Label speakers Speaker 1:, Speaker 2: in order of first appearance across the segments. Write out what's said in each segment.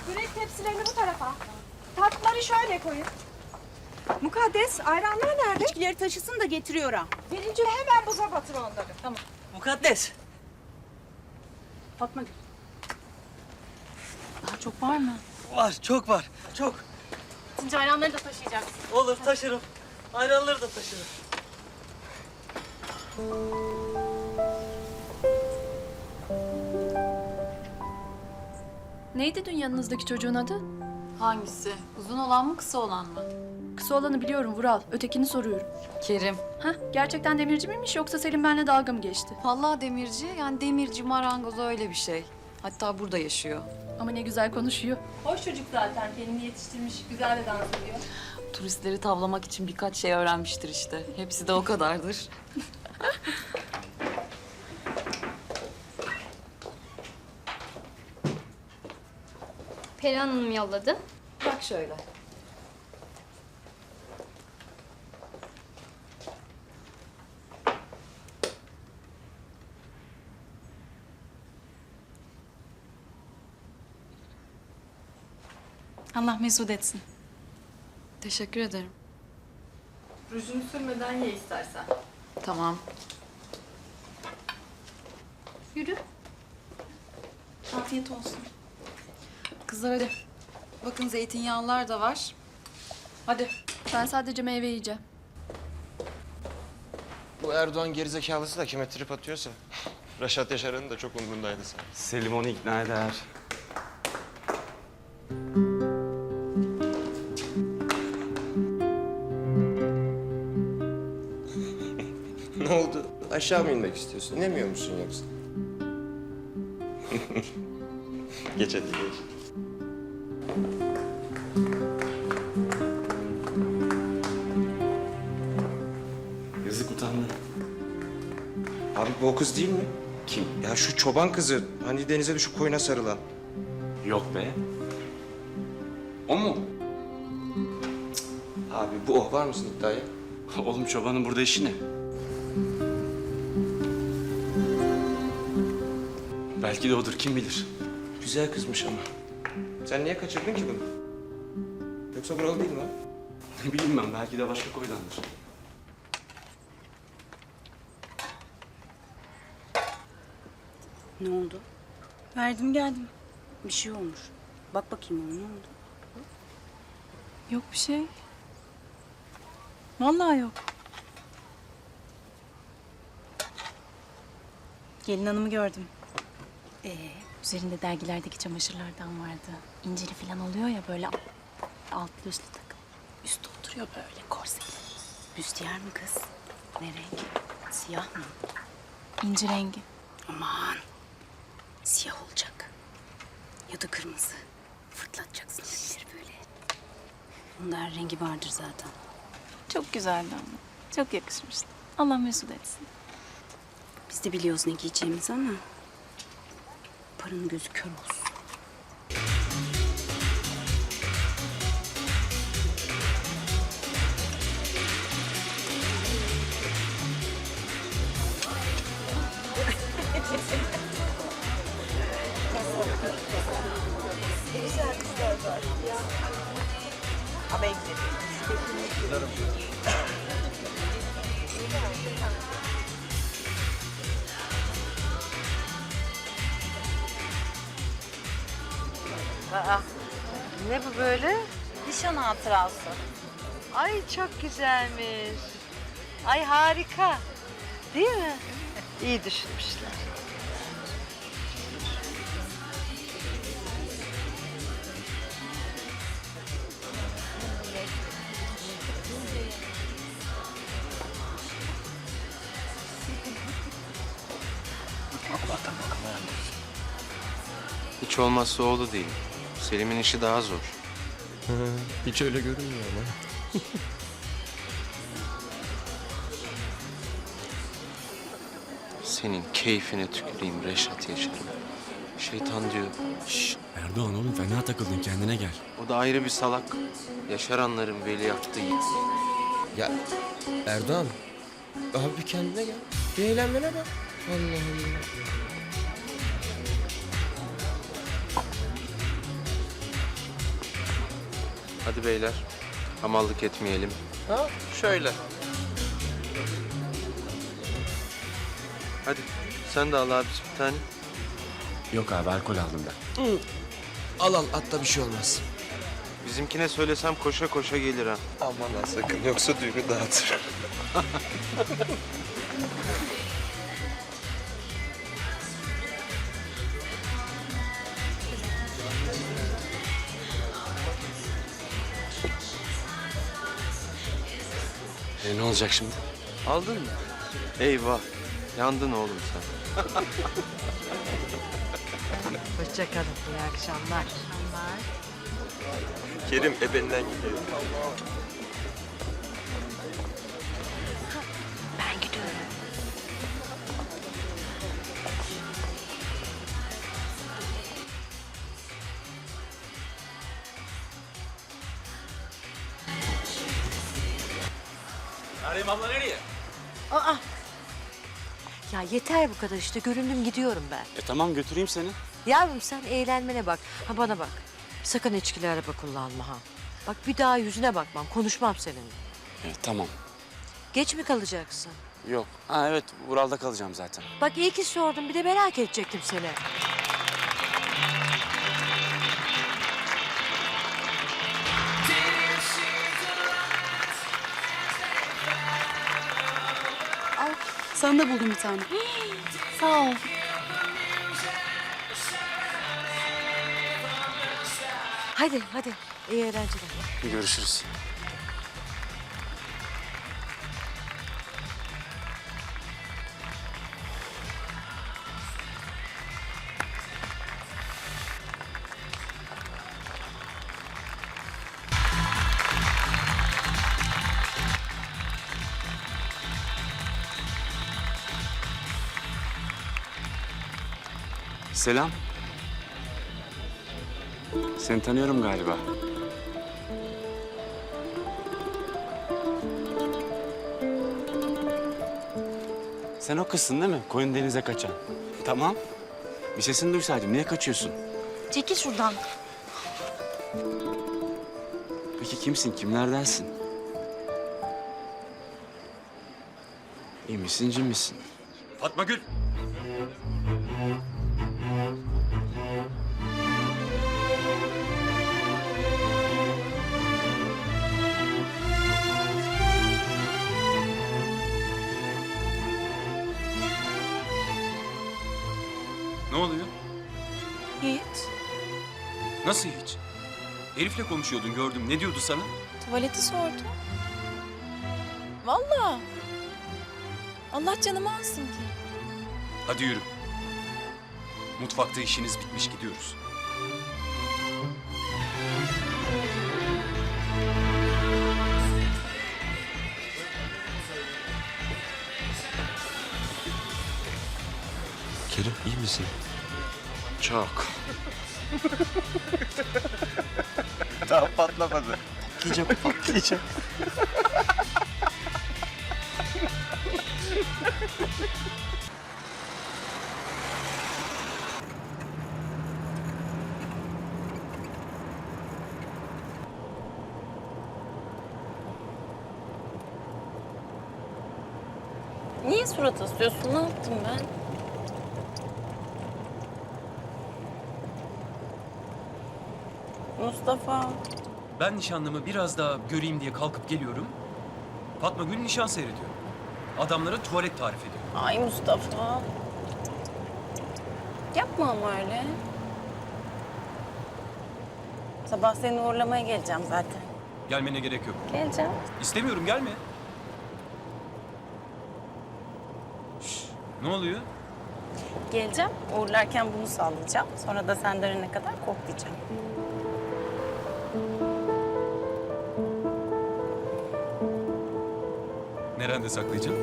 Speaker 1: Börek tepsilerini bu tarafa. Tatlıları şöyle koyun. Mukaddes, ayranlar nerede?
Speaker 2: İçkileri taşısın da getiriyor ha.
Speaker 1: Birinci hemen buza batır onları.
Speaker 2: Tamam.
Speaker 3: Mukaddes.
Speaker 2: Fatma Gül. Daha çok var mı?
Speaker 3: Var, çok var. Çok.
Speaker 2: Bitince ayranları da taşıyacaksın.
Speaker 3: Olur, taşırım. Ayranları da taşırım.
Speaker 4: Neydi dün yanınızdaki çocuğun adı?
Speaker 5: Hangisi? Uzun olan mı, kısa olan mı?
Speaker 4: Kısa olanı biliyorum Vural. Ötekini soruyorum.
Speaker 5: Kerim.
Speaker 4: Hah, gerçekten demirci miymiş yoksa Selim benimle dalga mı geçti?
Speaker 5: Vallahi demirci, yani demirci, marangoz öyle bir şey. Hatta burada yaşıyor.
Speaker 4: Ama ne güzel konuşuyor. Hoş çocuk zaten. Kendini yetiştirmiş. Güzel de dans ediyor.
Speaker 5: Turistleri tavlamak için birkaç şey öğrenmiştir işte. Hepsi de o kadardır.
Speaker 6: Perihan Hanım yolladı.
Speaker 5: Bak şöyle.
Speaker 2: Allah mesut etsin.
Speaker 5: Teşekkür ederim.
Speaker 4: Rujunu sürmeden ye istersen.
Speaker 5: Tamam.
Speaker 4: Yürü.
Speaker 2: Afiyet olsun.
Speaker 5: Kızlar hadi. Bakın zeytinyağlılar da var.
Speaker 4: Hadi. Ben sadece meyve yiyeceğim.
Speaker 7: Bu Erdoğan gerizekalısı da kime trip atıyorsa. Reşat Yaşar'ın da çok umrundaydı sanki.
Speaker 8: Selim onu ikna eder.
Speaker 7: Ne oldu? Aşağı mı inmek istiyorsun? İnemiyor musun yoksa? Geç hadi geç.
Speaker 8: Yazık utandı.
Speaker 7: Abi bu o kız değil mi?
Speaker 8: Kim?
Speaker 7: Ya şu çoban kızı. Hani denize düşüp koyuna sarılan.
Speaker 8: Yok be. O mu?
Speaker 7: Abi bu o. Var mısın iddiaya?
Speaker 8: Oğlum çobanın burada işi ne? Belki de odur, kim bilir.
Speaker 7: Güzel kızmış ama. Sen niye kaçırdın ki bunu? Yoksa buralı değil mi ha?
Speaker 8: Ne bileyim ben, belki de başka koydandır.
Speaker 2: Ne oldu? Verdim geldim. Bir şey olmuş. Bak bakayım ona, ne oldu? Yok bir şey. Vallahi yok. Gelin hanımı gördüm. Üzerinde dergilerdeki çamaşırlardan vardı. İncili falan oluyor ya böyle altlı üstlü takım. Üstü oturuyor böyle korseli. Büstiyer mi kız? Ne renk? Siyah mı? İnci rengi. Aman. Siyah olacak. Ya da kırmızı. Fırlatacaksın elleri böyle. Bunda her rengi vardır zaten. Çok güzeldi ama. Çok yakışmıştı. Allah mesut etsin. Biz de biliyoruz ne giyeceğimizi ama... paranın gözü kör olsun.
Speaker 9: Ne bu böyle?
Speaker 2: Nişan hatırası.
Speaker 9: Ay çok güzelmiş. Ay harika. Değil mi? İyi düşünmüşler.
Speaker 7: Hiç olmazsa oğlu değil. Selim'in işi daha zor.
Speaker 10: Hiç öyle görünmüyor ama.
Speaker 7: Senin keyfine tüküreyim Reşat Yaşar'ım. Şeytan diyor.
Speaker 10: Şşş Erdoğan oğlum fena takıldın kendine gel.
Speaker 7: O da ayrı bir salak. Yaşaranların veliahtı yiğit.
Speaker 10: Ya Erdoğan abi bir kendine gel. Bir eğlenmene bak. Allah Allah.
Speaker 7: Hadi beyler. Hamallık etmeyelim.
Speaker 10: Ha şöyle.
Speaker 7: Hadi sen de al abisi bir tane.
Speaker 8: Yok abi alkol aldım ben.
Speaker 10: Al al atla bir şey olmaz.
Speaker 7: Bizimkine söylesem koşa koşa gelir ha.
Speaker 10: Aman ha sakın yoksa düğünü dağıtır.
Speaker 8: Ne olacak şimdi?
Speaker 7: Aldın mı? Eyvah. Yandın oğlum sen.
Speaker 9: Hoşça kalın. İyi akşamlar.
Speaker 10: Kerim ebeninden gidiyor.
Speaker 2: Ben gidiyorum.
Speaker 8: Meryem abla nereye?
Speaker 9: Aa! Ya yeter bu kadar işte. Göründüm gidiyorum ben.
Speaker 8: Tamam götüreyim seni.
Speaker 9: Yavrum sen eğlenmene bak. Ha bana bak. Sakın içkili araba kullanma ha. Bak bir daha yüzüne bakmam. Konuşmam seninle.
Speaker 8: Tamam.
Speaker 9: Geç mi kalacaksın?
Speaker 8: Yok. Ha evet Ural'da kalacağım zaten.
Speaker 9: Bak iyi ki sordum. Bir de merak edecektim seni.
Speaker 4: Sana da buldum bir tane.
Speaker 2: Sağ ol.
Speaker 9: Hadi hadi. İyi eğlenceler.
Speaker 8: Görüşürüz. Selam. Seni tanıyorum galiba. Sen o kızsın değil mi? Koyun denize kaçan. Tamam. Bir sesini duysaydım. Niye kaçıyorsun?
Speaker 2: Çekil şuradan.
Speaker 8: Peki kimsin? Kimlerdensin? İyi misin, cin misin? Fatma Gül.
Speaker 7: Ne oluyor?
Speaker 2: Hiç.
Speaker 7: Nasıl hiç? Elif'le konuşuyordun gördüm. Ne diyordu sana?
Speaker 2: Tuvaleti sordu. Vallahi. Allah canımı alsın ki.
Speaker 7: Hadi yürü. Mutfakta işiniz bitmiş gidiyoruz.
Speaker 10: Kerim iyi misin?
Speaker 8: Çok.
Speaker 10: Daha patlamadı. Patlayacak patlayacak.
Speaker 2: Niye surat asıyorsun? Ne yaptım ben? Mustafa.
Speaker 11: Ben nişanlımı biraz daha göreyim diye kalkıp geliyorum. Fatma Gül nişan seyrediyor. Adamlara tuvalet tarif ediyor.
Speaker 2: Ay Mustafa. Yapma ama öyle. Sabah seni uğurlamaya geleceğim zaten.
Speaker 11: Gelmene gerek yok.
Speaker 2: Geleceğim.
Speaker 11: İstemiyorum gelme. Ne oluyor?
Speaker 2: Geleceğim. Uğurlarken bunu sallayacağım. Sonra da sen dönene kadar koklayacağım.
Speaker 11: Nerede saklayacağım?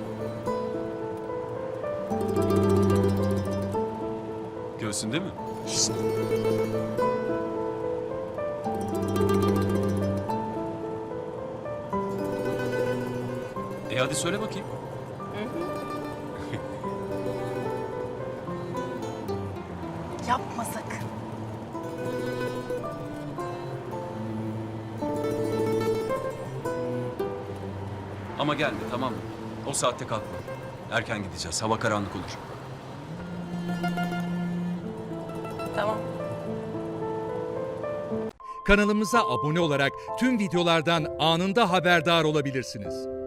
Speaker 11: Göğsünde mi? Hadi söyle bakayım.
Speaker 2: Yapma sakın.
Speaker 11: Ama gelme, tamam mı? O saatte kalkma. Erken gideceğiz, hava karanlık olur.
Speaker 4: Tamam.
Speaker 12: Kanalımıza abone olarak tüm videolardan anında haberdar olabilirsiniz.